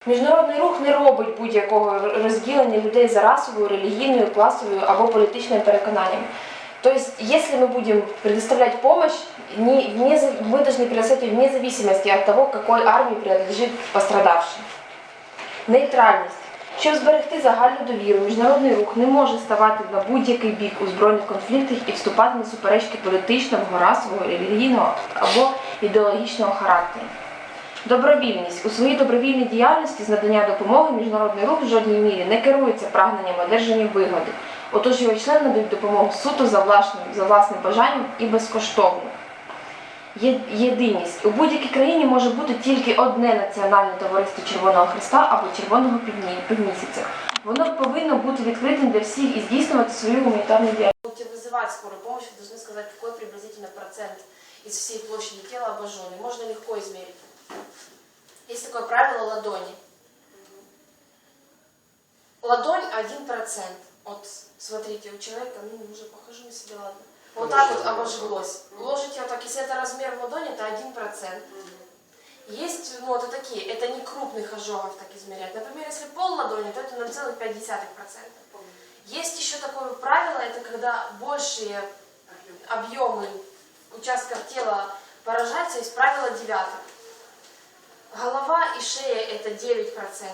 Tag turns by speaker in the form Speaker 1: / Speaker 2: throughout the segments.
Speaker 1: Міжнародний рух не робить будь-якого розділення людей за расовою, релігійною, класовою або політичним переконанням. То есть, если мы будем предоставлять помощь, мы должны предоставить ее вне зависимости от того, какой армии принадлежит пострадавший. Нейтральність. Щоб зберегти загальну довіру, міжнародний рух не може ставати на будь-який бік у збройних конфліктах і вступати на суперечки політичного, расового, релігійного або ідеологічного характеру. Добровільність. У своїй добровільній діяльності з надання допомоги міжнародний рух в жодній мірі не керується прагненням одержання вигоди. Отож його члени надають допомогу суто за власним бажанням і безкоштовно. Єдиність. У будь-якій країні може бути тільки одне національне товариство Червоного Хреста або Червоного Півмісяця. Воно повинно бути відкритим для всіх і здійснювати свою гуманітарну діяльність.
Speaker 2: Если вызывать скорую помощь, вы должны сказать, какой приблизительно процент из всей площади тела обожженный. Можно легко измерить. Есть такое правило ладони. Ладонь 1%. Вот, смотрите, у человека, уже похожу на себя, ладно. Вот так вот обожглось. Ложите вот так, если это размер в ладони, это 1%. Есть, это такие, это не крупных ожогов так измерять. Например, если пол ладони, то это 0,5%. Есть еще такое правило, это когда большие объемы участков тела поражаются, есть правило 9. Голова и шея это 9%.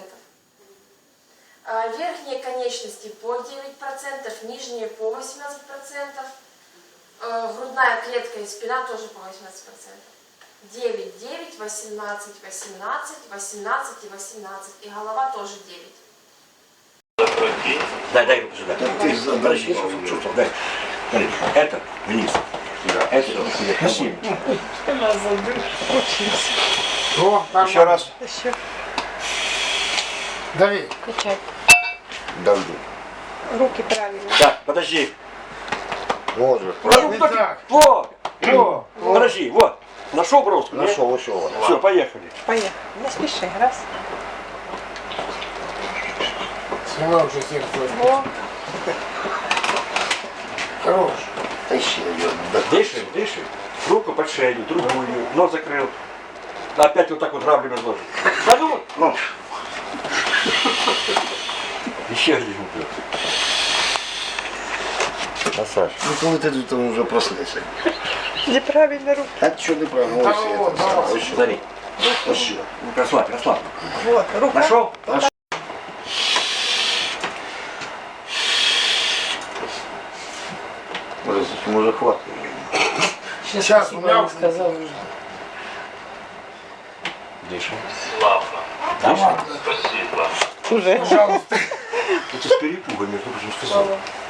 Speaker 2: Верхние конечности по 9%, нижние по 18%. Грудная клетка и спина тоже по 18%. 9, 9, 18, 18, 18 и 18. И голова тоже 9.
Speaker 3: Дай руку сюда. Ты подожди, чувствовал, дай. Смотри, это вниз. Да, это спасибо. Еще раз.
Speaker 4: Еще.
Speaker 5: Дави.
Speaker 4: Качай.
Speaker 5: Давлю.
Speaker 4: Руки правильно.
Speaker 3: Так, подожди.
Speaker 5: Можно.
Speaker 3: Не так. Вот. Подожди, вот. Нашел бровку?
Speaker 5: Нашел.
Speaker 3: Все, поехали.
Speaker 4: Поехали. Не спеши. Раз.
Speaker 5: Снимай уже сердце.
Speaker 4: Во.
Speaker 5: Хорош. Тащи ее.
Speaker 3: Дыши. Руку под шею, другую. Нос закрыл. Опять вот так вот грабли разложил. Да ну. Еще один упрек.
Speaker 5: А Саш, коли ти тут вже проснешся?
Speaker 4: Неправильно руки.
Speaker 5: А що не правильно?
Speaker 3: Смотри. Расслабь.
Speaker 4: Вот. Рука.
Speaker 3: Нашел?
Speaker 5: Може хватит.
Speaker 6: Сейчас у меня сказал.
Speaker 3: Дыши.
Speaker 7: Славно.
Speaker 3: Дыши.
Speaker 7: Спасибо.
Speaker 4: Уже.
Speaker 6: Пожалуйста.
Speaker 3: Это с перепугом, между прочим, сказал.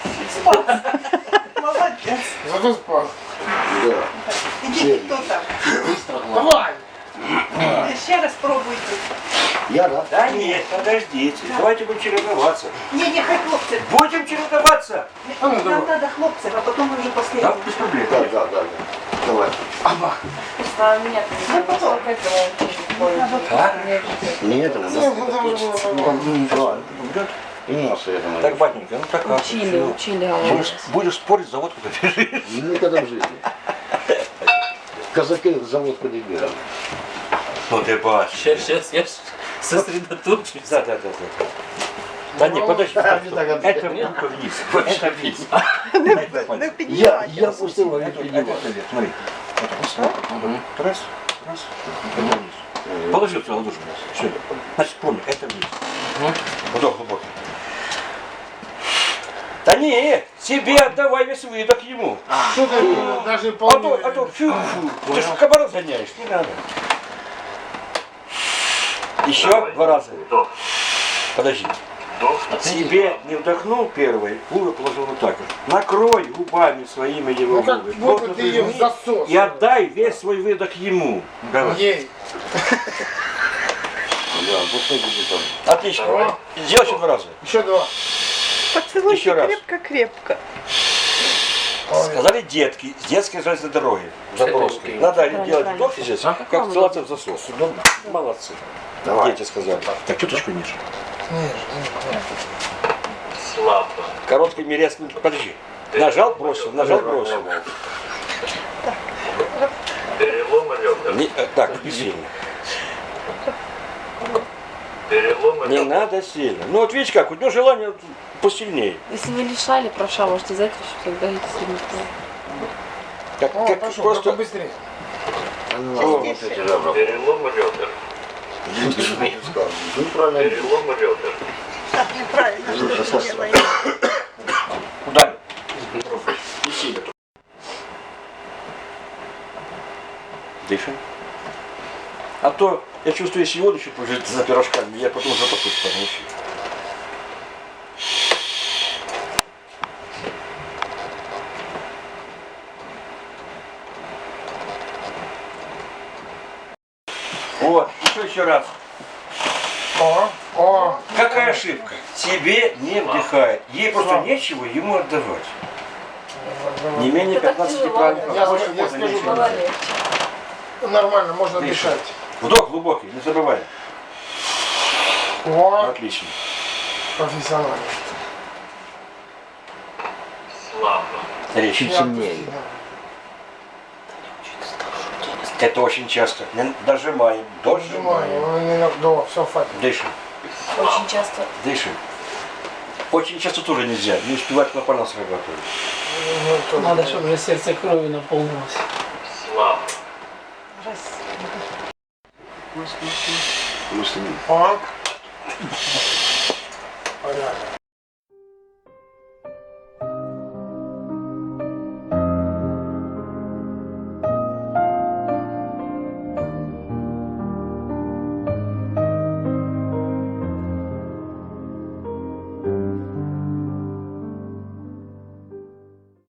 Speaker 4: Молодец.
Speaker 6: Зато спас.
Speaker 5: Да.
Speaker 4: Идите, кто там?
Speaker 6: Давай.
Speaker 4: Еще раз пробуйте.
Speaker 5: Я, да?
Speaker 3: Да нет, подождите. Давайте будем чередоваться.
Speaker 4: Не, хоть хлопцы.
Speaker 3: Будем чередоваться.
Speaker 4: Нам надо хлопцев, а потом уже
Speaker 3: Да,
Speaker 4: последний.
Speaker 3: без проблем.
Speaker 5: Да. Давай.
Speaker 6: Аба.
Speaker 1: А нет,
Speaker 3: А?
Speaker 5: Нет, это
Speaker 3: Идет?
Speaker 5: И носа я думаю.
Speaker 3: Так, батенька, ну так.
Speaker 1: Учили.
Speaker 3: Будешь спорить, завод куда бежишь.
Speaker 5: Никогда в жизни. Казаки в завод подбирали.
Speaker 3: Ну ты бачишь.
Speaker 8: Сейчас я сосредоточусь.
Speaker 3: Да. Да нет, подожди. Это рука вниз. Это вниз.
Speaker 5: Я пустил его.
Speaker 3: Это вверх, смотри. Раз. Это вниз. Положи свою ладошку. Все. Значит, помни, это вниз. Вдох глубокий. Да не, себе отдавай весь выдох ему.
Speaker 6: Что ты даже
Speaker 3: А
Speaker 6: полный.
Speaker 3: то фу. Ты же кабана гоняешь, не надо. Еще 2 раза.
Speaker 7: Вдох.
Speaker 3: Подожди.
Speaker 7: Вдох.
Speaker 3: Себе не вдохнул первый, губы положил вот так вот. Накрой губами своими его
Speaker 6: Ну как
Speaker 3: губы.
Speaker 6: будто
Speaker 3: Плотно
Speaker 6: ты ее в
Speaker 3: прижми
Speaker 6: засос.
Speaker 3: и отдай весь свой выдох ему. Давай.
Speaker 6: Ей.
Speaker 5: Да, пустой будет там.
Speaker 3: Отлично. Сделай еще 2 раза.
Speaker 6: Еще 2.
Speaker 4: Поцелуйте
Speaker 3: Еще раз.
Speaker 4: крепко-крепко.
Speaker 3: Сказали детки, с детской железной дороги, Запорожской. Надо делать вдох здесь, как целоваться в засос. Молодцы.
Speaker 5: Давай.
Speaker 3: Дети сказали. Так, чуточку ниже.
Speaker 7: Слабо.
Speaker 3: Короткими резкими. Подожди. Нажал, бросил.
Speaker 7: Перелом ребер.
Speaker 3: Так, сильно.
Speaker 7: Переломы
Speaker 3: Не
Speaker 7: ребер.
Speaker 3: надо сильно. Ну вот видите как, у него желание посильнее.
Speaker 1: Если вы лишали правша, можете взять, тогда идти сильно.
Speaker 3: Как,
Speaker 6: О,
Speaker 3: как
Speaker 6: пошел,
Speaker 3: просто...
Speaker 6: только быстрее.
Speaker 5: Ну, вот эти ребра.
Speaker 7: Переломы ребер.
Speaker 5: Ну, правильно.
Speaker 7: Переломы ребер.
Speaker 4: Так неправильно, что ты делаешь.
Speaker 3: Куда? Не сильно. Дышим. А то я чувствую, если воду чуть позже за пирожками, я потом запахусь стану. Вот, еще раз.
Speaker 6: О,
Speaker 3: Какая ошибка? Тебе не вдыхает. Ей просто нечего ему отдавать. Не менее
Speaker 1: Это так
Speaker 3: 15
Speaker 1: тяжело.
Speaker 3: правильно.
Speaker 6: Я
Speaker 3: Больше
Speaker 6: скажу,
Speaker 3: можно ничего не
Speaker 1: Было
Speaker 3: делать.
Speaker 1: легче.
Speaker 6: нормально, можно
Speaker 3: Дышим.
Speaker 6: дышать.
Speaker 3: Вдох глубокий, не забывай.
Speaker 6: О,
Speaker 3: Отлично.
Speaker 6: профессионально.
Speaker 7: Слабо.
Speaker 3: Речь.
Speaker 5: Чуть сильнее.
Speaker 3: Это очень часто. Не дожимаем. Дожимаем.
Speaker 6: Да, все, хватит.
Speaker 3: Дышим.
Speaker 1: Очень часто.
Speaker 3: Дышим. Очень часто тоже нельзя. Не успевать клапана срабатывать.
Speaker 8: Надо, чтобы уже сердце кровью наполнилось.
Speaker 7: Слабо.
Speaker 5: Мысли.
Speaker 6: О, понятно.